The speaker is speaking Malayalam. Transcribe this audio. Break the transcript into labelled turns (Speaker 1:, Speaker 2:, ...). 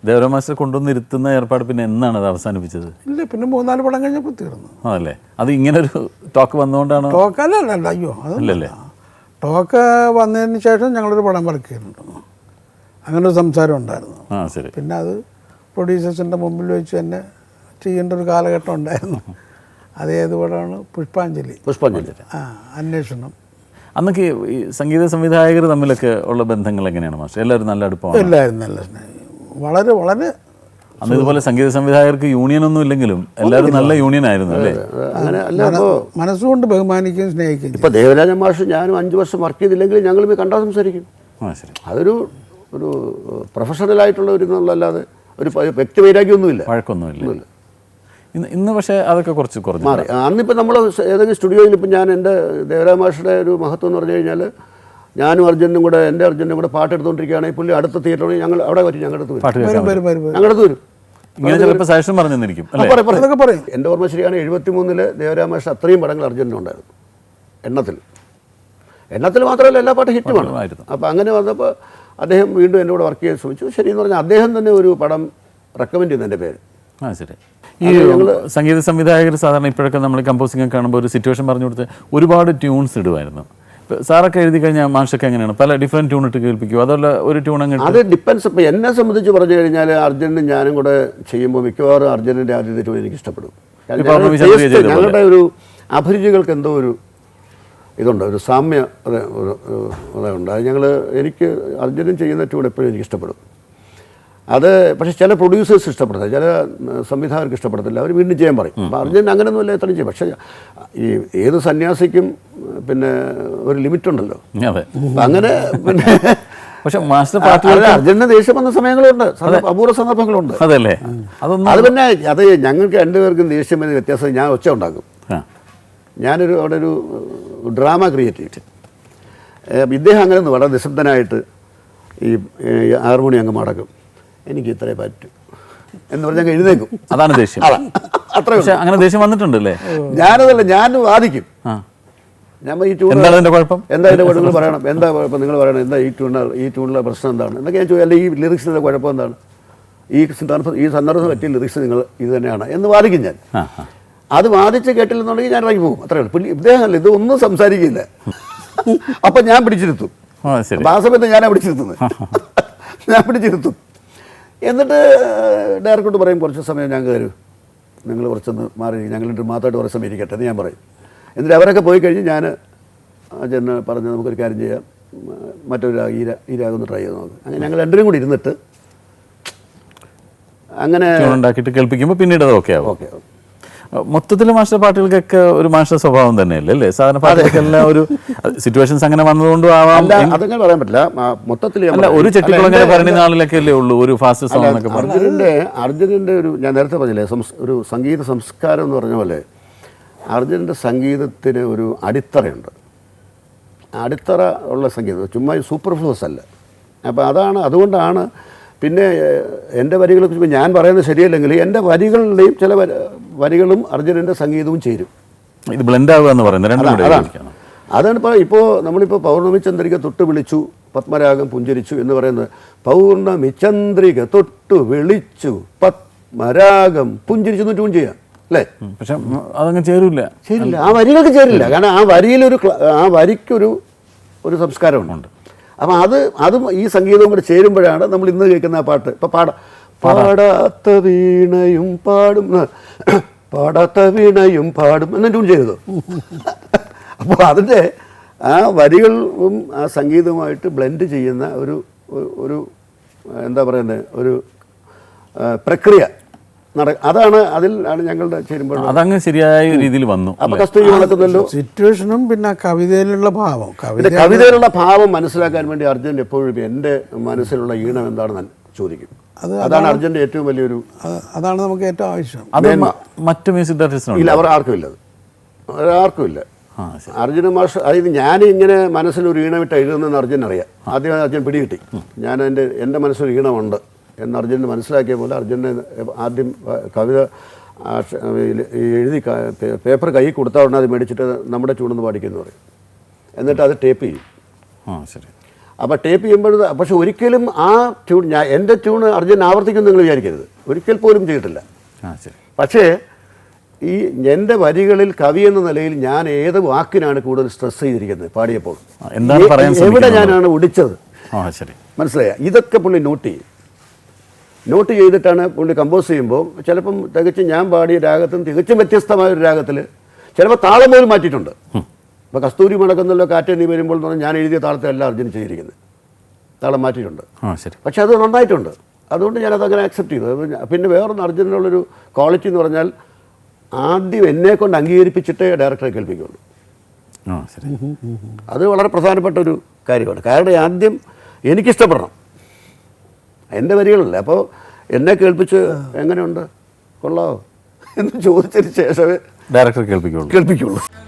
Speaker 1: ദേവരാം മാസ്റ്റർ കൊണ്ടുവന്നിരുത്തുന്ന ഏർപ്പാട് പിന്നെ എന്നാണ് അത് അവസാനിപ്പിച്ചത്?
Speaker 2: ഇല്ല, പിന്നെ 3-4 പടം കഴിഞ്ഞപ്പോൾ തീർന്നു.
Speaker 1: അതല്ലേ, അത് ഇങ്ങനൊരു ടോക്ക് വന്നുകൊണ്ടാണ്?
Speaker 2: ടോക്കല്ല, അയ്യോ അതല്ലല്ലേ. ടോക്ക് വന്നതിന് ശേഷം ഞങ്ങളൊരു പടം വർക്ക് ചെയ്തിട്ടുണ്ട്, അങ്ങനെ ഒരു സംസാരം ഉണ്ടായിരുന്നു.
Speaker 1: ശരി.
Speaker 2: പിന്നെ അത് പ്രൊഡ്യൂസേഴ്സിൻ്റെ മുമ്പിൽ വെച്ച് തന്നെ ചെയ്യേണ്ട ഒരു കാലഘട്ടം ഉണ്ടായിരുന്നു. അത് ഏത് പടമാണ്? പുഷ്പാഞ്ജലി. അന്വേഷണം.
Speaker 1: അന്നൊക്കെ ഈ സംഗീത സംവിധായകർ തമ്മിലൊക്കെ ഉള്ള ബന്ധങ്ങൾ എങ്ങനെയാണ് മാസ്റ്റർ? എല്ലാവരും നല്ല അടുപ്പമാണ്?
Speaker 2: എല്ലാവരും നല്ല സ്നേഹം, വളരെ വളരെ.
Speaker 1: അന്ന് ഇതുപോലെ സംഗീത സംവിധായകർക്ക് യൂണിയനൊന്നും ഇല്ലെങ്കിലും എല്ലാവരും നല്ല യൂണിയൻ ആയിരുന്നു അല്ലേ?
Speaker 3: അങ്ങനെ അല്ല,
Speaker 2: മനസ്സുകൊണ്ട് ബഹുമാനിക്കുകയും സ്നേഹിക്കുകയും.
Speaker 3: ഇപ്പോൾ ദേവരാജൻ മാഷ് ഞാനും 5 വർഷം വർക്ക് ചെയ്തില്ലെങ്കിൽ ഞങ്ങൾ കണ്ടാൽ സംസാരിക്കും. അതൊരു പ്രൊഫഷണലായിട്ടുള്ള ഒരു ഇതല്ലാതെ ഒരു വ്യക്തി വൈരാഗ്യമൊന്നുമില്ല,
Speaker 1: വഴക്കൊന്നുമില്ല. ഇന്ന് പക്ഷേ അതൊക്കെ കുറച്ച് കുറഞ്ഞു
Speaker 3: മാറി. അന്നിപ്പോൾ നമ്മൾ ഏതെങ്കിലും സ്റ്റുഡിയോയിൽ ഇപ്പം ഞാൻ എൻ്റെ ദേവരാജ മാഷയുടെ ഒരു മഹത്വം എന്ന് പറഞ്ഞു കഴിഞ്ഞാൽ ഞാനും അർജുനും കൂടെ എൻ്റെ അർജുനും കൂടെ പാട്ടെടുത്തുകൊണ്ടിരിക്കുകയാണെങ്കിൽ പുള്ളി അടുത്ത തിയേറ്ററിൽ ഞങ്ങൾ അവിടെ വരും, ഞങ്ങളുടെ അടുത്ത് വരും, ഞങ്ങളുടെ വരും.
Speaker 1: ഇങ്ങനെ ചിലപ്പോൾ സജഷൻ പറഞ്ഞിരിക്കും.
Speaker 3: എൻ്റെ ഓർമ്മ ശരിയാണ്, 73 ദേവരാജ മാഷ് അത്രയും പടങ്ങൾ അർജുനുണ്ടായിരുന്നു. എണ്ണത്തിൽ മാത്രമല്ല എല്ലാ പാട്ടും ഹിറ്റുമാണ്. അപ്പോൾ അങ്ങനെ വന്നപ്പോൾ അദ്ദേഹം വീണ്ടും എൻ്റെ കൂടെ വർക്ക് ചെയ്യാൻ ശ്രമിച്ചു. ശരിയെന്ന് പറഞ്ഞാൽ അദ്ദേഹം തന്നെ ഒരു പടം റെക്കമെൻഡ് ചെയ്യുന്നു എൻ്റെ പേര്.
Speaker 1: ശരി. ഈ സംഗീത സംവിധായകർ സാധാരണ ഇപ്പോഴൊക്കെ നമ്മൾ കമ്പോസിംഗ് കാണുമ്പോൾ ഒരു സിറ്റുവേഷൻ പറഞ്ഞു കൊടുത്ത് ഒരുപാട് ട്യൂൺസ് ഇടുമായിരുന്നു. സാറൊക്കെ എഴുതി കഴിഞ്ഞാൽ മാഷൊക്കെ എങ്ങനെയാണ്? പല ഡിഫറെൻറ്റ് ട്യൂൺ ഇട്ട് കേൾപ്പിക്കും, അതല്ല ഒരു ട്യൂൺ അങ്ങനെ?
Speaker 3: അത് ഡിപ്പെൻസ്. ഇപ്പോൾ എന്നെ സംബന്ധിച്ച് പറഞ്ഞു കഴിഞ്ഞാൽ അർജുനും ഞാനും കൂടെ ചെയ്യുമ്പോൾ മിക്കവാറും അർജുനൻ്റെ ആദ്യത്തെ ട്യൂൺ എനിക്ക് ഇഷ്ടപ്പെടും. ഞങ്ങളുടെ ഒരു അഭിരുചികൾക്ക് എന്തോ ഒരു ഇതുണ്ട്, ഒരു സാമ്യ ഉണ്ട്. അത് എനിക്ക് അർജുനൻ ചെയ്യുന്ന ട്യൂൺ എപ്പോഴും എനിക്ക് ഇഷ്ടപ്പെടും. അത് പക്ഷേ ചില പ്രൊഡ്യൂസേഴ്സ് ഇഷ്ടപ്പെടുന്നത്, ചില സംവിധായകർക്ക് ഇഷ്ടപ്പെടത്തില്ല, അവർ വീണ്ടും ചെയ്യാൻ പറയും. അപ്പോൾ അർജുൻ അങ്ങനെയൊന്നുമില്ല, എത്രയും ചെയ്യും. പക്ഷേ ഈ ഏത് സന്യാസിക്കും പിന്നെ ഒരു ലിമിറ്റ് ഉണ്ടല്ലോ. അങ്ങനെ പിന്നെ
Speaker 1: പക്ഷെ മാസ്റ്റർ പാട്ടുകൾ
Speaker 3: അർജുനന് ദേഷ്യം വന്ന സമയങ്ങളുണ്ട്, അപൂർവ സന്ദർഭങ്ങളുണ്ട്.
Speaker 1: അതല്ലേ,
Speaker 3: അത് പിന്നെ അത് ഞങ്ങൾക്ക് രണ്ടുപേർക്കും ദേഷ്യം വരുന്ന വ്യത്യാസം. ഞാൻ ഒച്ച ഉണ്ടാക്കും, ഞാനൊരു അവിടെ ഒരു ഡ്രാമ ക്രിയേറ്റ് ചെയ്തിട്ട്, ഇദ്ദേഹം അങ്ങനെ ഒന്ന് വളരെ നിശബ്ദനായിട്ട് ഈ ഹാർമോണി അങ്ങ് മടക്കും, എനിക്ക് ഇത്രേ പറ്റും എന്ന് പറഞ്ഞാൽ എഴുന്നേക്കും.
Speaker 1: അതാണ് ദേഷ്യം.
Speaker 3: അത്ര
Speaker 1: അങ്ങനെ ദേഷ്യം വന്നിട്ടുണ്ടല്ലേ?
Speaker 3: ഞാനതല്ല, ഞാൻ വാദിക്കും. ഞാൻ ഈ ട്യൂൺ
Speaker 1: എന്താ അതിൻ്റെ കുഴപ്പം,
Speaker 3: എന്താ അതിൻ്റെ കുഴപ്പം പറയണം, എന്താ കുഴപ്പം നിങ്ങൾ പറയണം, എന്താ ഈ ട്യൂണിലെ പ്രശ്നം എന്താണ് എന്നൊക്കെ ഞാൻ ചോദിക്കും. അല്ലെങ്കിൽ ഈ ലിറിക്സിൻ്റെ കുഴപ്പം എന്താണ്, ഈ സന്ദർഭം പറ്റിയ ലിറിക്സ് നിങ്ങൾ ഇത് തന്നെയാണ് എന്ന് വാദിക്കും ഞാൻ. അത് വാദിച്ച് കേട്ടില്ലെന്നുണ്ടെങ്കിൽ ഞാൻ ഇറങ്ങി പോകും, അത്രേ ഉള്ളൂ. പുള്ളി ഇദ്ദേഹമല്ല, ഇത് ഒന്നും സംസാരിക്കില്ല. അപ്പം ഞാൻ പിടിച്ചിരുത്തും. ആ സമയത്ത് ഞാനാണ് പിടിച്ചിരുത്തുന്നത്, ഞാൻ പിടിച്ചിരുത്തും. എന്നിട്ട് ഡയറക്ടറോട് പറയും, കുറച്ച് സമയം ഞാൻ കയറും, നിങ്ങൾ കുറച്ചൊന്ന് മാറി, ഞങ്ങളിട്ട് മാത്രമായിട്ട് കുറച്ച് സമയം ഇരിക്കട്ടെ എന്ന് ഞാൻ പറയും. എന്നിട്ട് അവരൊക്കെ പോയി കഴിഞ്ഞ് ഞാൻ ചെന്ന് പറഞ്ഞ് നമുക്കൊരു കാര്യം ചെയ്യാം, മറ്റൊരു ഈ രാഗം ഒന്ന് ട്രൈ ചെയ്ത് നോക്കും. അങ്ങനെ ഞങ്ങൾ രണ്ടുപേരും കൂടി ഇരുന്നിട്ട് അങ്ങനെ
Speaker 1: ഉണ്ടാക്കിയിട്ട് കേൾപ്പിക്കുമ്പോൾ പിന്നീട് അത് ഓക്കെ ആവും.
Speaker 3: ഓക്കെ.
Speaker 1: മൊത്തത്തിൽ മാസ്റ്റർ പാട്ടുകൾക്കൊക്കെ ഒരു മാസ്റ്റർ സ്വഭാവം തന്നെയല്ലേ അല്ലേ? സാധാരണ പാട്ടുകൾക്കെല്ലാം ഒരു സിറ്റുവേഷൻസ് അങ്ങനെ വന്നതുകൊണ്ടും ആവാം,
Speaker 3: അതങ്ങനെ പറയാൻ പറ്റില്ല. മൊത്തത്തിൽ
Speaker 1: ഒരു ചെട്ടിക്കുളങ്ങനെ പറയുന്ന നാളിലൊക്കെ അല്ലേ ഉള്ളൂ ഒരു ഫാസ്റ്റ് സോങ് എന്നൊക്കെ പറഞ്ഞു.
Speaker 3: അർജുനൻ്റെ ഒരു ഞാൻ നേരത്തെ പറഞ്ഞില്ലേ, ഒരു സംഗീത സംസ്കാരം എന്ന് പറഞ്ഞ പോലെ അർജുനൻ്റെ സംഗീതത്തിന് ഒരു അടിത്തറയുണ്ട്. അടിത്തറ ഉള്ള സംഗീതം, ചുമ്മാ സൂപ്പർഫ്ലൂസ് അല്ല. അപ്പോൾ അതുകൊണ്ടാണ് പിന്നെ എൻ്റെ വരികളെ ഞാൻ പറയുന്നത് ശരിയല്ലെങ്കിൽ എൻ്റെ വരികളുടെയും ചില വരികളും അർജുനൻ്റെ സംഗീതവും ചേരും.
Speaker 1: ഇത് ബ്ലെൻഡ് ആവുക എന്ന് പറയുന്നത്
Speaker 3: അതാണ്. ഇപ്പോൾ നമ്മളിപ്പോൾ പൗർണമി ചന്ദ്രിക തൊട്ട് വിളിച്ചു പത്മരാഗം പുഞ്ചരിച്ചു എന്ന് പറയുന്നത്, പൗർണമി ചന്ദ്രിക തൊട്ട് വിളിച്ചു പത്മരാഗം പുഞ്ചരിച്ചു എന്ന് ട്യൂൺ ചെയ്യാം അല്ലേ?
Speaker 1: പക്ഷെ അതങ്ങ് ചേരില്ല.
Speaker 3: ആ വരികൾക്ക് ചേരില്ല. കാരണം ആ വരിക്കൊരു സംസ്കാരമുണ്ട്. അപ്പം അതും ഈ സംഗീതവും കൂടെ ചേരുമ്പോഴാണ് നമ്മൾ ഇന്ന് കേൾക്കുന്ന ആ പാട്ട്. ഇപ്പം പാടാത്ത വീണയും പാടും, പാടാത്ത വീണയും പാടും എന്ന് ട്യൂൺ ചെയ്തത്. അപ്പോൾ അതിൻ്റെ ആ വരികളും ആ സംഗീതവുമായിട്ട് ബ്ലെൻഡ് ചെയ്യുന്ന ഒരു എന്താ പറയുന്നത്, ഒരു പ്രക്രിയ അതിലാണ് ഞങ്ങളുടെ ചേരുമ്പോൾ
Speaker 1: അതങ്ങ് ശരിയായ രീതിയിൽ വന്നു.
Speaker 3: അപ്പോൾ കസ്തൂരി നടക്കുന്നല്ലോ
Speaker 2: സിറ്റുവേഷനും പിന്നെ കവിതയിലുള്ള ഭാവം.
Speaker 3: കവിതയിലുള്ള ഭാവം മനസ്സിലാക്കാൻ വേണ്ടി അർജുൻ എപ്പോഴും എൻ്റെ മനസ്സിലുള്ള ഈണം എന്താണെന്ന് ചോദിക്കും. അതാണ് അർജുൻ്റെ ഏറ്റവും വലിയൊരു,
Speaker 2: അതാണ് നമുക്ക് ഏറ്റവും ആവശ്യം.
Speaker 1: അത് മറ്റു മ്യൂസിക് ഡയറക്ടേഴ്സിനും
Speaker 3: ഇല്ല, ആർക്കും ഇല്ല. അർജുന മാഷ്, അതായത് ഞാൻ ഇങ്ങനെ മനസ്സിലൊരു ഈണമിട്ട് എഴുതുന്നതെന്ന് അർജുൻ അറിയാം. ആദ്യം അർജുൻ പിടികിട്ടി, ഞാൻ എൻ്റെ മനസ്സിലൊരു ഈണമുണ്ട് എന്ന് അർജുനന് മനസ്സിലാക്കിയ പോലെ അർജുനെ ആദ്യം കവിത എഴുതി പേപ്പർ കൈ കൊടുത്താൽ ഉടനെ അത് മേടിച്ചിട്ട് നമ്മുടെ ചൂടെന്ന് പാടിക്കുമെന്ന് പറയും. എന്നിട്ട് അത് ടേപ്പ് ചെയ്യും.
Speaker 1: ശരി.
Speaker 3: അപ്പോൾ ടേപ്പ് ചെയ്യുമ്പോൾ പക്ഷെ ഒരിക്കലും ആ ട്യൂൺ എൻ്റെ ട്യൂണ് അർജുൻ ആവർത്തിക്കും നിങ്ങൾ വിചാരിക്കരുത്, ഒരിക്കൽ പോലും ചെയ്തിട്ടില്ല.
Speaker 1: ശരി.
Speaker 3: പക്ഷേ ഈ എൻ്റെ വരികളിൽ കവി എന്ന നിലയിൽ ഞാൻ ഏത് വാക്കിനാണ് കൂടുതൽ സ്ട്രെസ് ചെയ്തിരിക്കുന്നത് പാടിയപ്പോൾ,
Speaker 1: എന്താണ് പറയാൻ
Speaker 3: എവിടെ ഞാനാണ് ഒടിച്ചത്,
Speaker 1: ശരി,
Speaker 3: മനസ്സിലായ? ഇതൊക്കെ പുള്ളി നോട്ട് ചെയ്തിട്ടാണ് പുള്ളി കമ്പോസ് ചെയ്യുമ്പോൾ ചിലപ്പം തികച്ചും ഞാൻ പാടിയ രാഗത്തും തികച്ചും വ്യത്യസ്തമായ ഒരു രാഗത്തിൽ ചിലപ്പോൾ താളം പോലും മാറ്റിയിട്ടുണ്ട്. ഇപ്പോൾ കസ്തൂരി മുടക്കുന്നല്ലോ കാറ്റ് നീ വരുമ്പോൾ എന്ന് പറഞ്ഞാൽ ഞാൻ എഴുതിയ താളത്തെയല്ല അർജുൻ ചെയ്തിരിക്കുന്നത്, താളം മാറ്റിയിട്ടുണ്ട്.
Speaker 1: ശരി.
Speaker 3: പക്ഷെ അത് നന്നായിട്ടുണ്ട്, അതുകൊണ്ട് ഞാനതങ്ങനെ അക്സെപ്റ്റ് ചെയ്തു. പിന്നെ വേറൊന്ന് അർജുനുള്ളൊരു ക്വാളിറ്റി എന്ന് പറഞ്ഞാൽ ആദ്യം എന്നെ കൊണ്ട് അംഗീകരിപ്പിച്ചിട്ടേ ഡയറക്ടറെ കേൾപ്പിക്കുള്ളൂ.
Speaker 1: ശരി.
Speaker 3: അത് വളരെ പ്രധാനപ്പെട്ട ഒരു കാര്യമാണ്. കാരണം ആദ്യം എനിക്കിഷ്ടപ്പെടണം, എൻ്റെ വരികളല്ലേ. അപ്പോൾ എന്നെ കേൾപ്പിച്ച് എങ്ങനെയുണ്ട്, കൊള്ളാമോ എന്ന് ചോദിച്ചതിന് ശേഷമേ
Speaker 1: ഡയറക്ടർ കേൾപ്പിക്കുള്ളൂ.